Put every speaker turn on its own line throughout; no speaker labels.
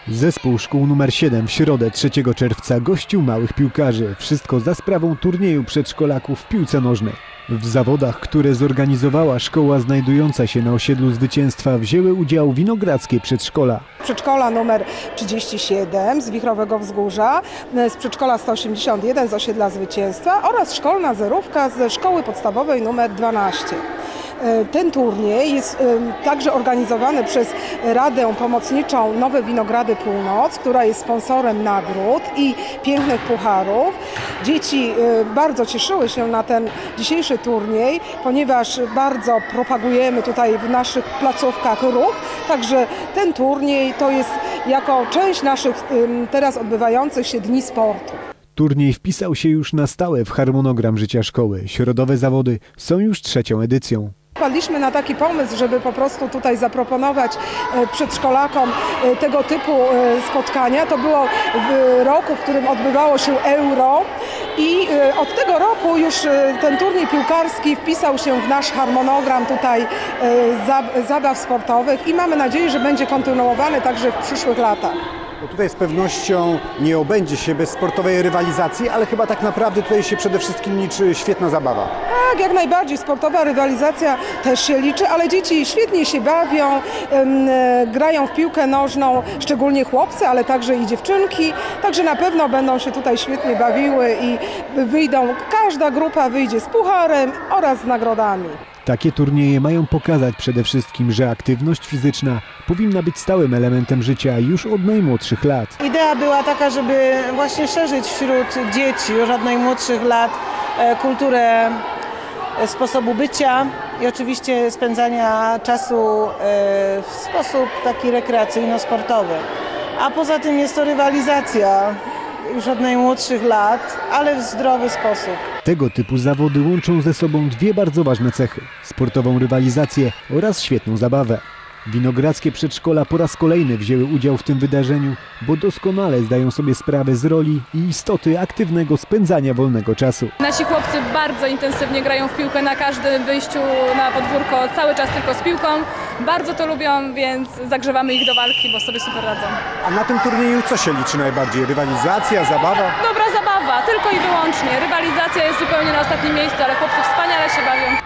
Zespół szkół nr 7 w środę 3 czerwca gościł małych piłkarzy. Wszystko za sprawą turnieju przedszkolaków w piłce nożnej. W zawodach, które zorganizowała szkoła znajdująca się na osiedlu Zwycięstwa, wzięły udział winogrodzkie przedszkola.
Przedszkola numer 37 z Wichrowego Wzgórza, z przedszkola 181 z osiedla Zwycięstwa oraz szkolna zerówka ze szkoły podstawowej numer 12. Ten turniej jest także organizowany przez Radę Pomocniczą Nowe Winogrady Północ, która jest sponsorem nagród i pięknych pucharów. Dzieci bardzo cieszyły się na ten dzisiejszy turniej, ponieważ bardzo propagujemy tutaj w naszych placówkach ruch. Także ten turniej to jest jako część naszych teraz odbywających się dni sportu.
Turniej wpisał się już na stałe w harmonogram życia szkoły. Środowe zawody są już 3. edycją.
Wpadliśmy na taki pomysł, żeby po prostu tutaj zaproponować przedszkolakom tego typu spotkania. To było w roku, w którym odbywało się Euro i od tego roku już ten turniej piłkarski wpisał się w nasz harmonogram tutaj zabaw sportowych i mamy nadzieję, że będzie kontynuowany także w przyszłych latach.
Bo tutaj z pewnością nie obędzie się bez sportowej rywalizacji, ale chyba tak naprawdę tutaj się przede wszystkim liczy świetna zabawa.
Tak, jak najbardziej. Sportowa rywalizacja też się liczy, ale dzieci świetnie się bawią, grają w piłkę nożną, szczególnie chłopcy, ale także i dziewczynki. Także na pewno będą się tutaj świetnie bawiły i każda grupa wyjdzie z pucharem oraz z nagrodami.
Takie turnieje mają pokazać przede wszystkim, że aktywność fizyczna powinna być stałym elementem życia już od najmłodszych lat.
Idea była taka, żeby właśnie szerzyć wśród dzieci już od najmłodszych lat kulturę sposobu bycia i oczywiście spędzania czasu w sposób taki rekreacyjno-sportowy. A poza tym jest to rywalizacja już od najmłodszych lat, ale w zdrowy sposób.
Tego typu zawody łączą ze sobą dwie bardzo ważne cechy: sportową rywalizację oraz świetną zabawę. Winogrodzkie przedszkola po raz kolejny wzięły udział w tym wydarzeniu, bo doskonale zdają sobie sprawę z roli i istoty aktywnego spędzania wolnego czasu.
Nasi chłopcy bardzo intensywnie grają w piłkę na każdym wyjściu na podwórko, cały czas tylko z piłką. Bardzo to lubią, więc zagrzewamy ich do walki, bo sobie super radzą.
A na tym turnieju co się liczy najbardziej? Rywalizacja, zabawa?
Dobra zabawa, tylko i wyłącznie. Rywalizacja jest zupełnie na ostatnim miejscu, ale chłopcy wspaniale się bawią.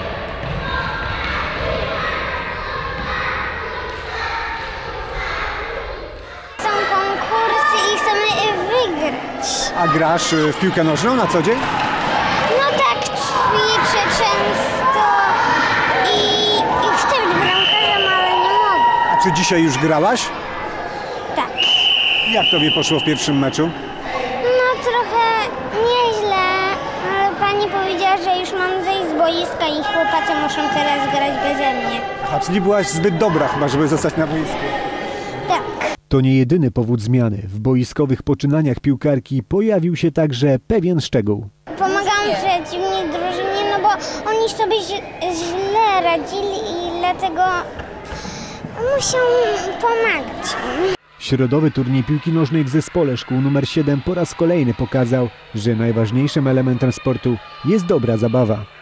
A grasz w piłkę nożną na co dzień?
No tak, ćwiczę często i chcę być bramkarzem, ale nie mogę.
A czy dzisiaj już grałaś?
Tak.
Jak tobie poszło w pierwszym meczu?
No trochę nieźle, ale pani powiedziała, że już mam zejść z boiska i chłopacy muszą teraz grać beze mnie.
A czyli byłaś zbyt dobra chyba, żeby zostać na boisku?
Tak.
To nie jedyny powód zmiany. W boiskowych poczynaniach piłkarki pojawił się także pewien szczegół.
Pomagam przeciwnej drużynie, no bo oni sobie źle radzili i dlatego muszę pomagać.
Środowy turniej piłki nożnej w zespole szkół nr 7 po raz kolejny pokazał, że najważniejszym elementem sportu jest dobra zabawa.